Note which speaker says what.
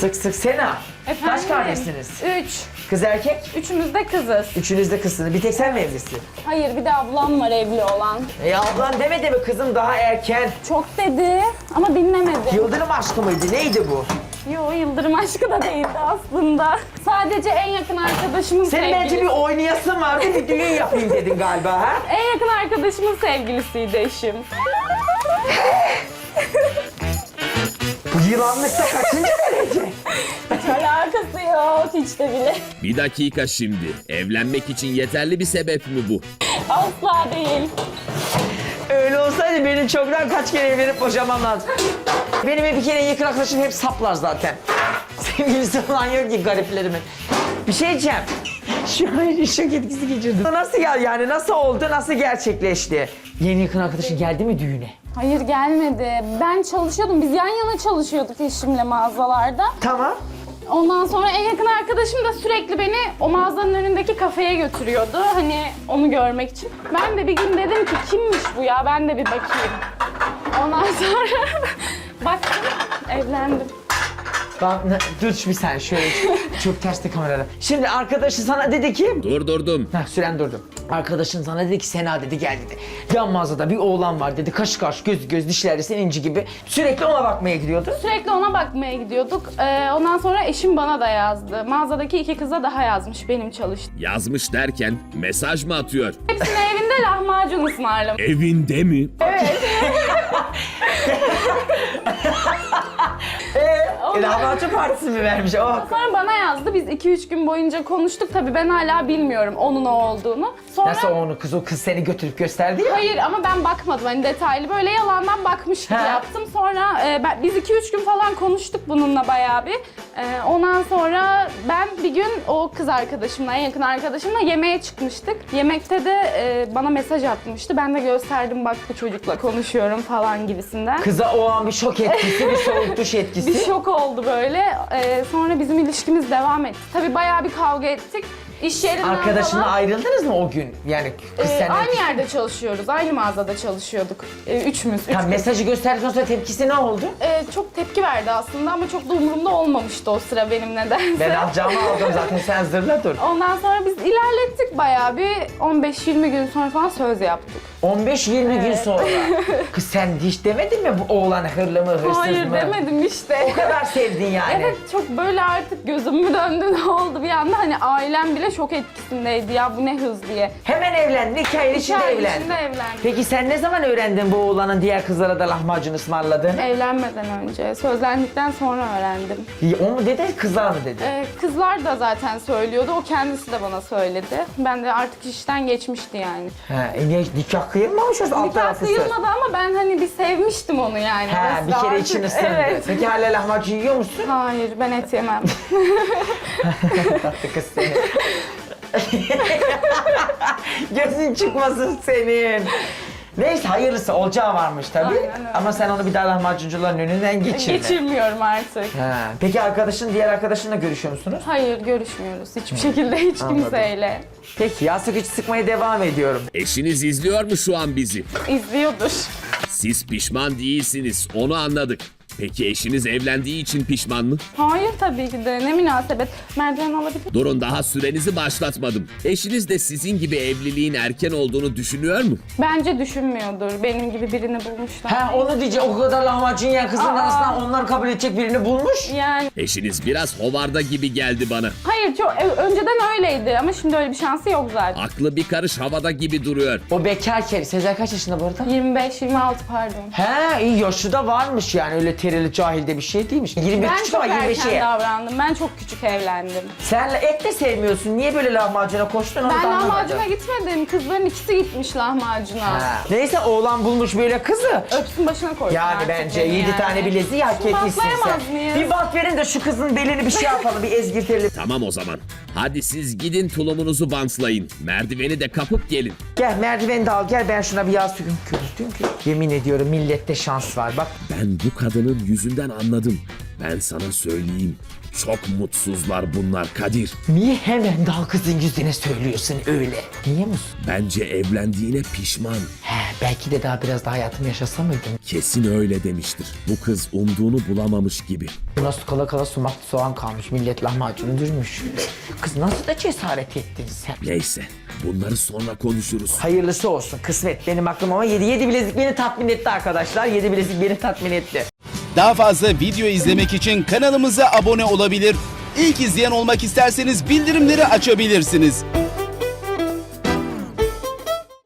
Speaker 1: Sık sık Sena.
Speaker 2: Efendim?
Speaker 1: Kaç kardeşsiniz?
Speaker 2: 3.
Speaker 1: Kız erkek?
Speaker 2: Üçümüz de kızız.
Speaker 1: Üçünüz de kızsınız. Bir tek sen mi evlisin?
Speaker 2: Hayır, bir de ablam var evli olan.
Speaker 1: Ablan demedi mi kızım daha erken?
Speaker 2: Çok dedi ama dinlemedi.
Speaker 1: Yıldırım aşkı mıydı? Neydi bu?
Speaker 2: Yo, Yıldırım aşkı da değildi aslında. Sadece en yakın arkadaşımın
Speaker 1: Senin
Speaker 2: sevgilisi.
Speaker 1: bence bir oynayasın vardı, bir düğün yapayım dedin galiba ha?
Speaker 2: En yakın arkadaşımın sevgilisiydi eşim.
Speaker 1: Bu yılanlıkta kaçıncı derece?
Speaker 2: Hiç alakası yok, hiç de bile.
Speaker 3: Bir dakika şimdi. Evlenmek için yeterli bir sebep mi bu?
Speaker 2: Asla değil.
Speaker 1: Öyle olsaydı benim çoktan kaç kere evlenip boşamam lazım. Benim bir kere yakın arkadaşım hep saplar zaten. Sevgilisi falan yok ki gariplerimin. Bir şey diyeceğim. Şu an şok etkisi geçirdim. Nasıl yani nasıl oldu, nasıl gerçekleşti? Yeni yakın arkadaşın geldi mi düğüne?
Speaker 2: Hayır, gelmedi. Ben çalışıyordum. Biz yan yana çalışıyorduk eşimle mağazalarda.
Speaker 1: Tamam.
Speaker 2: Ondan sonra en yakın arkadaşım da sürekli beni o mağazanın önündeki kafeye götürüyordu. Hani onu görmek için. Ben de bir gün dedim ki kimmiş bu ya, ben de bir bakayım. Ondan sonra baktım, evlendim.
Speaker 1: Dur bir sen şöyle çok terste kamerada. Şimdi arkadaşı sana dedi ki...
Speaker 3: Durdurdum.
Speaker 1: Süren durdu. Arkadaşın sana dedi ki Sena dedi gel dedi. Yan mağazada bir oğlan var dedi. Kaşı karşı göz göz dişleri senin inci gibi. Sürekli ona bakmaya gidiyordu.
Speaker 2: Sürekli ona bakmaya gidiyorduk. Ondan sonra eşim bana da yazdı. Mağazadaki 2 kıza daha yazmış benim çalıştığım.
Speaker 3: Yazmış derken mesaj mı atıyor?
Speaker 2: Hepsine evinde lahmacun ısmarlamış.
Speaker 3: Evinde mi?
Speaker 1: Lahmacun partisi mi vermiş? Oh.
Speaker 2: Sonra bana yazdı. Biz 2-3 gün boyunca konuştuk. Tabii ben hala bilmiyorum onun o olduğunu. Sonra...
Speaker 1: Nasıl onu kız, o kız seni götürüp gösterdi ya?
Speaker 2: Hayır ama ben bakmadım hani detaylı. Böyle yalandan bakmış gibi
Speaker 1: He.
Speaker 2: yaptım. Sonra biz 2-3 gün falan konuştuk bununla bayağı bir. Ondan sonra ben bir gün o kız arkadaşımla, en yakın arkadaşımla yemeğe çıkmıştık. Yemekte de bana mesaj atmıştı. Ben de gösterdim, bak bu çocukla konuşuyorum falan gibisinden.
Speaker 1: Kıza o an bir şok etkisi, bir soğuk duş etkisi.
Speaker 2: Bir şok oldu böyle. Sonra bizim ilişkimiz devam etti. Tabii bayağı bir kavga ettik. İş yerinden
Speaker 1: Arkadaşınla
Speaker 2: falan.
Speaker 1: ayrıldınız mı o gün? Yani kız senden...
Speaker 2: Aynı yerde çalışıyoruz. Aynı mağazada çalışıyorduk. Üçümüz. Üç
Speaker 1: Tam
Speaker 2: kız.
Speaker 1: mesajı gösterdikten sonra tepkisi ne oldu?
Speaker 2: Çok tepki verdi aslında ama çok da umurumda olmamıştı o sıra benim nedense.
Speaker 1: Ben alacağımı aldım zaten, sen zırla dur.
Speaker 2: Ondan sonra biz ilerlettik bayağı bir 15-20 gün sonra falan söz yaptık.
Speaker 1: 15-20 gün sonra. Kız sen hiç demedin mi bu oğlan hırlı mı, hırsız
Speaker 2: Hayır
Speaker 1: mı?
Speaker 2: demedim işte.
Speaker 1: O kadar sevdin yani.
Speaker 2: Evet, çok böyle artık gözüm mü döndü ne oldu bir anda, hani ailem bile şok etkisindeydi ya, bu ne hız diye.
Speaker 1: Hemen evlendin, 2 ay içinde
Speaker 2: ay
Speaker 1: evlendin.
Speaker 2: içinde evlendik.
Speaker 1: Peki sen ne zaman öğrendin bu oğlanın diğer kızlara da lahmacun ısmarladığını?
Speaker 2: Evlenmeden önce, sözlendikten sonra öğrendim.
Speaker 1: O mu dedi, kızlar mı dedi?
Speaker 2: Kızlar da zaten söylüyordu, o kendisi de bana söyledi. Ben de artık işten geçmişti yani.
Speaker 1: Niye nikah kıyılmamış o alt
Speaker 2: Nikah
Speaker 1: tarafı söz?
Speaker 2: kıyılmadı ama ben hani bir sevmiştim onu yani.
Speaker 1: Bir
Speaker 2: Mesela
Speaker 1: kere
Speaker 2: artık-
Speaker 1: için ısındı.
Speaker 2: Evet.
Speaker 1: Peki hala lahmacun yiyor musun?
Speaker 2: Hayır, ben et yemem.
Speaker 1: Tatlı kız seni. Gözün çıkmasın senin. Neyse hayırlısı, olacağı varmış tabii.
Speaker 2: Aynen öyle.
Speaker 1: Ama sen onu bir daha lahmacuncuların önünden geçirme.
Speaker 2: Geçirmiyorum artık.
Speaker 1: Peki diğer arkadaşınla görüşüyor musunuz?
Speaker 2: Hayır, görüşmüyoruz hiçbir şekilde hiç
Speaker 1: Anladım.
Speaker 2: kimseyle.
Speaker 1: Peki yastık içi sıkmaya devam ediyorum.
Speaker 3: Eşiniz izliyor mu şu an bizi?
Speaker 2: İzliyordur.
Speaker 3: Siz pişman değilsiniz, onu anladık. Peki eşiniz evlendiği için pişman mı?
Speaker 2: Hayır tabii ki de, ne münasebet. Merdiven alabilir.
Speaker 3: Durun, daha sürenizi başlatmadım. Eşiniz de sizin gibi evliliğin erken olduğunu düşünüyor mu?
Speaker 2: Bence düşünmüyordur. Benim gibi birini bulmuşlar.
Speaker 1: Onu diyecek, o kadar lahmacun yiyen kızın
Speaker 2: Aa.
Speaker 1: arasından onlar kabul edecek birini bulmuş.
Speaker 2: Yani
Speaker 3: Eşiniz biraz hovarda gibi geldi bana.
Speaker 2: hayır, çok önceden öyleydi ama şimdi öyle bir şansı yok zaten.
Speaker 3: Aklı bir karış havada gibi duruyor.
Speaker 1: O bekarken, Sezer kaç yaşında bu arada?
Speaker 2: 25-26 pardon.
Speaker 1: İyi yaşı da varmış yani, öyle terili cahilde bir şey değilmiş. 21
Speaker 2: Ben
Speaker 1: küçük
Speaker 2: çok
Speaker 1: ama
Speaker 2: erken
Speaker 1: 25'e.
Speaker 2: davrandım. Ben çok küçük evlendim.
Speaker 1: Sen et de sevmiyorsun. Niye böyle lahmacuna koştun onu
Speaker 2: Ben
Speaker 1: da anlamadım.
Speaker 2: lahmacuna gitmedim. Kızların ikisi gitmiş lahmacuna.
Speaker 1: Neyse oğlan bulmuş böyle kızı.
Speaker 2: Öpsün başına koysun
Speaker 1: Yani
Speaker 2: artık
Speaker 1: bence
Speaker 2: beni
Speaker 1: 7
Speaker 2: yani.
Speaker 1: tane bileziği hak etmişsin
Speaker 2: Bantlayamaz
Speaker 1: sen.
Speaker 2: mıyız?
Speaker 1: Bir bant verin de şu kızın belini bir şey yapalım, bir ezgirtelim.
Speaker 3: Tamam o zaman. Hadi siz gidin tulumunuzu bantlayın. Merdiveni de kapıp gelin.
Speaker 1: Gel merdiveni de al, gel ben şuna bir yağ sürüm kürtüm ki. Yemin ediyorum millette şans var bak.
Speaker 3: Ben bu kadının yüzünden anladım. Ben sana söyleyeyim. Çok mutsuzlar bunlar Kadir.
Speaker 1: Niye hemen daha kızın yüzüne söylüyorsun öyle? Niye musun?
Speaker 3: Bence evlendiğine pişman.
Speaker 1: He, belki de daha biraz daha hayatımı yaşasa mıydım?
Speaker 3: Kesin öyle demiştir. Bu kız umduğunu bulamamış gibi.
Speaker 1: Nasıl kala kala sumaklı soğan kalmış, millet lahmacunu dürmüş. Kız nasıl da cesaret ettin sen?
Speaker 3: Neyse, bunları sonra konuşuruz.
Speaker 1: Hayırlısı olsun, kısmet benim aklım ama 7 bilezik beni tatmin etti arkadaşlar. 7 bilezik beni tatmin etti.
Speaker 4: Daha fazla video izlemek için kanalımıza abone olabilir. İlk izleyen olmak isterseniz bildirimleri açabilirsiniz.